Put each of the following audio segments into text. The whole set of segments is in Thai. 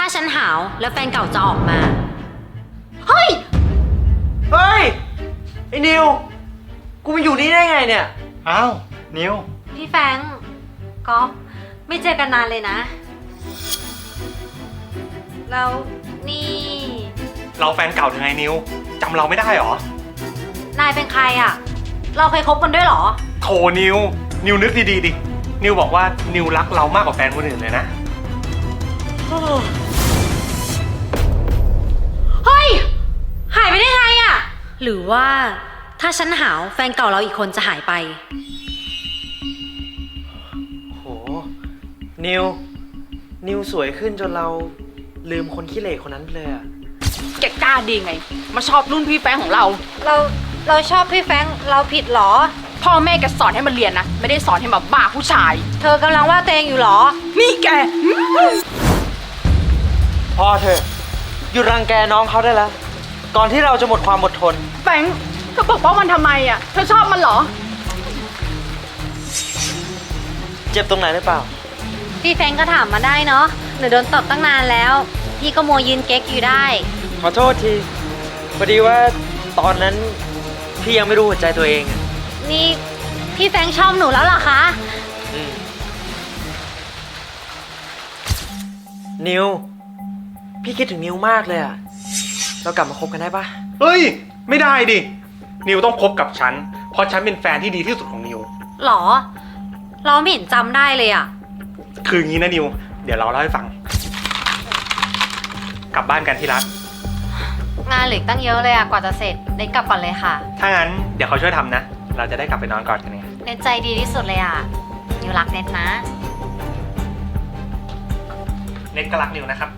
าฉันหาวแล้วแฟนเก่าจะออกมาเฮ้ยไอ้นิวกูมาอยู่นี่ได้ไงเนี่ยอ้าวนิวพี่แฟรงก์ก็ไม่เจอกันนานเลยนะ แล้วนี่เราแฟนเก่ายังไงนิวจำเราไม่ได้หรอนายเป็นใครอะเราเคยคบกันด้วยเหรอโถนิวนึกดีๆดินิวบอกว่านิวรักเรามากกว่าแฟนคนอื่นเลยนะเฮ้ย หายไปได้ไงอะหรือว่าถ้าฉันหาวแฟนเก่าเราอีกคนจะหายไปโหนิวสวยขึ้นจนเราลืมคนขี้เหร่คนนั้นไปเลยอะแกกล้าดีไง มาชอบรุ่นพี่แฟงของเราเราชอบพี่แฟรงก์เราผิดเหรอพ่อแม่แกสอนให้มันเรียนนะ ไม่ได้สอนให้มาบ้าผู้ชายเธอกำลังว่าตัวเองอยู่เหรอนี่แกพอเถอะหยุดรังแกน้องเขาได้แล้ว ก่อนที่เราจะหมดความอดทนแฟงเธอปกป้องมันทำไมอ่ะ เธอชอบมันเหรอเจ็บตรงไหนหรือเปล่าพี่แฟรงก์ก็ถามมาได้เนาะหนูโดนตบตั้งนานแล้ว พี่ก็มัวยืนเก๊กอยู่ได้ขอโทษทีพอดีว่าตอนนั้นพี่ยังไม่รู้หัวใจตัวเองอะนี่พี่แฟรงก์ชอบหนูแล้วเหรอคะอืมนิวพี่คิดถึงนิวมากเลยอะเรากลับมาคบกันได้ปะเฮ้ยไม่ได้ดินิวต้องคบกับฉันเพราะฉันเป็นแฟนที่ดีที่สุดของนิวหรอ เราไม่เห็นจำได้เลยอะคืออย่างนี้นะนิวเดี๋ยวเราเล่าให้ฟัง กลับบ้านกันที่รักงานเหลืออกตั้งเยอะเลยอะกว่าจะเสร็จเน็ตกลับก่อนเลยค่ะถ้างั้นเดี๋ยวเขาช่วยทำนะ เราจะได้กลับไปนอนก่อนกันไงเน็ตใจดีที่สุดเลยอะนิวรักเน็ตนะเน็ตก็รักนิวนะครับ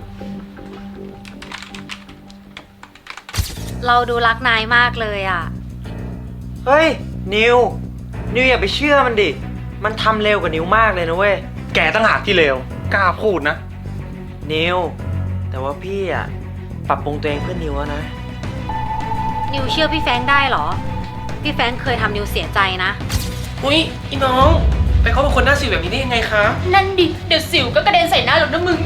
เราดูรักนายมากเลยอะเฮ้ยนิวอย่าไปเชื่อมันดิมันทำเร็วกว่านิวมากเลยนะเว้ยแกตั้งหากที่เลวกล้าพูดนะนิวแต่ว่าพี่อะปรับปรุงตัวเองเพื่อนิวแล้วนะนิวเชื่อพี่แฟรงค์ได้เหรอ พี่แฟรงค์เคยทำนิวเสียใจนะอุ้ยอีน้อง ไปคบกับคนหน้าสิวแบบนี้ได้ยังไงคะนั่นดิ เดี๋ยวสิวก็กระเด็นใส่หน้าหรอกนะมึง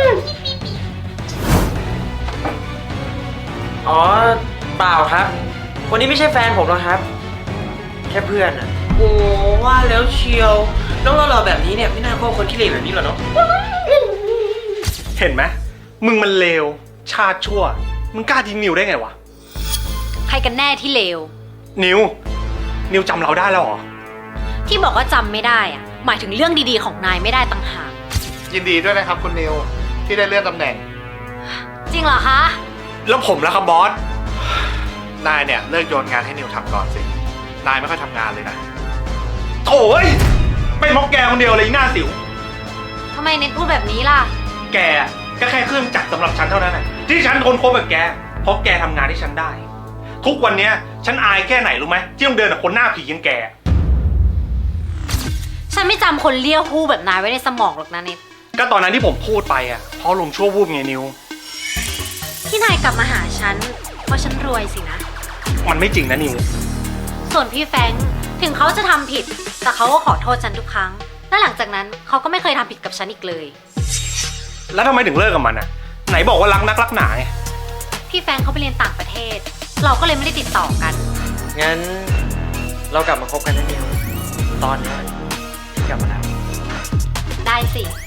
อ๋อเปล่าครับคนนี้ไม่ใช่แฟนผมหรอกครับ แค่เพื่อนอะโอ้ว่าแล้วเชียว น้องหล่อๆแบบนี้เนี่ยไม่น่าคบคนขี้เหร่แบบนี้หรอกเนาะเห็นไหมมึงมันเลวชาติชั่ว มึงกล้าทิ้งนิวได้ไงวะใครกันแน่ที่เลวนิวจำเราได้แล้วเหรอที่บอกว่าจำไม่ได้อะหมายถึงเรื่องดีๆของนายไม่ได้ต่างหากยินดีด้วยนะครับคุณนิวที่ได้เลื่อนตำแหน่งจริงเหรอคะแล้วผมล่ะครับบอสนายเนี่ยเลิกโยนงานให้นิวทำก่อนสิ นายไม่ค่อยทำงานเลยนะโถ่เอ้ยเป็นเพราะแกคนเดียวเลยไอ้หน้าสิวทำไมเน็ตพูดแบบนี้ล่ะแกก็แค่เครื่องจักรสำหรับฉันเท่านั้นแหละที่ฉันทนคบกับแก เพราะแกทำงานที่ฉันได้ ทุกวันเนี้ยฉันอายแค่ไหนรู้ไหมที่ต้องเดินกับคนหน้าผีอย่างแกฉันไม่จำคนเลี้ยวหู้แบบนายไว้ในสมองหรอกนะเน็ตก็ตอนนั้นที่ผมพูดไปอ่ะเพราะลมณ์ชั่ววูบไงนิวที่นายกลับมาหาฉันเพราะฉันรวยสินะมันไม่จริงนะนิวส่วนพี่แฟรงค์ถึงเขาจะทำผิด แต่เขาก็ขอโทษฉันทุกครั้ง และหลังจากนั้นเขาก็ไม่เคยทำผิดกับฉันอีกเลยแล้วทำไมถึงเลิกกับมันอ่ะ ไหนบอกว่ารักนักรักหนาไงพี่แฟรงค์เขาไปเรียนต่างประเทศ เราก็เลยไม่ได้ติดต่อกันงั้นเรากลับมาคบกันนะนิวตอนนี้พี่กลับมาแล้วได้สิ